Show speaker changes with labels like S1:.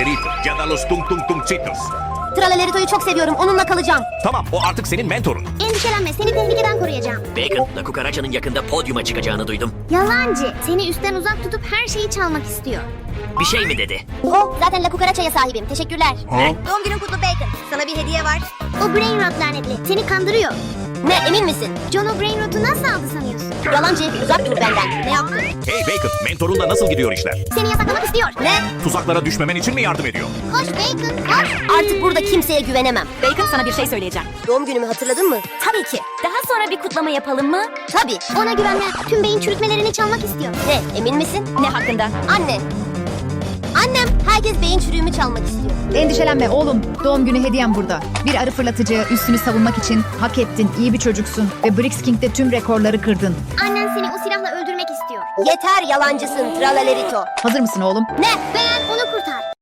S1: Tralaleritos ya da los Tung Tung Tungcitos.
S2: Tralaleritos çok seviyorum. Onunla kalacağım.
S1: Tamam, o artık senin mentorun.
S3: Endişelenme, seni tehlikeden koruyacağım.
S4: Bacon, La Cucaracha'nın yakında podyuma çıkacağını duydum.
S3: Yalancı. Seni üstten uzak tutup her şeyi çalmak istiyor.
S4: Bir şey mi dedi?
S2: Zaten La Cucaracha'ya sahibim. Teşekkürler.
S3: Doğum günün kutlu Bacon. Sana bir hediye var. O Brainrot lanetli. Seni kandırıyor.
S2: Ne, emin misin?
S3: John o Brainrot'u nasıl aldı sanıyorsun?
S2: Yalancı, uzak dur benden. Ne yaptın?
S1: Hey Bacon, mentorunla nasıl gidiyor işler?
S3: Seni yasaklamak istiyor.
S2: Ne?
S1: Tuzaklara düşmemen için mi yardım ediyor?
S3: Koş Bacon, koş.
S2: Artık burada kimseye güvenemem.
S5: Bacon, sana bir şey söyleyeceğim.
S2: Doğum günümü hatırladın mı?
S5: Tabii ki. Daha sonra bir kutlama yapalım mı?
S2: Tabii.
S3: Ona güvenme. Tüm beyin çürütmelerini çalmak istiyor.
S2: Ne, emin misin?
S5: Ne hakkında?
S2: Anne. Annem, herkes beyin çürüğümü çalmak istiyor.
S6: Endişelenme oğlum. Doğum günü hediyem burada. Bir arı fırlatıcı, üstünü savunmak için hak ettin. İyi bir çocuksun ve Brix King'de tüm rekorları kırdın.
S3: Annen seni o silahla öldürmek istiyor.
S2: Yeter yalancısın Tralalerito.
S6: Hazır mısın oğlum?
S2: Ne?
S3: Beğen onu kurtar.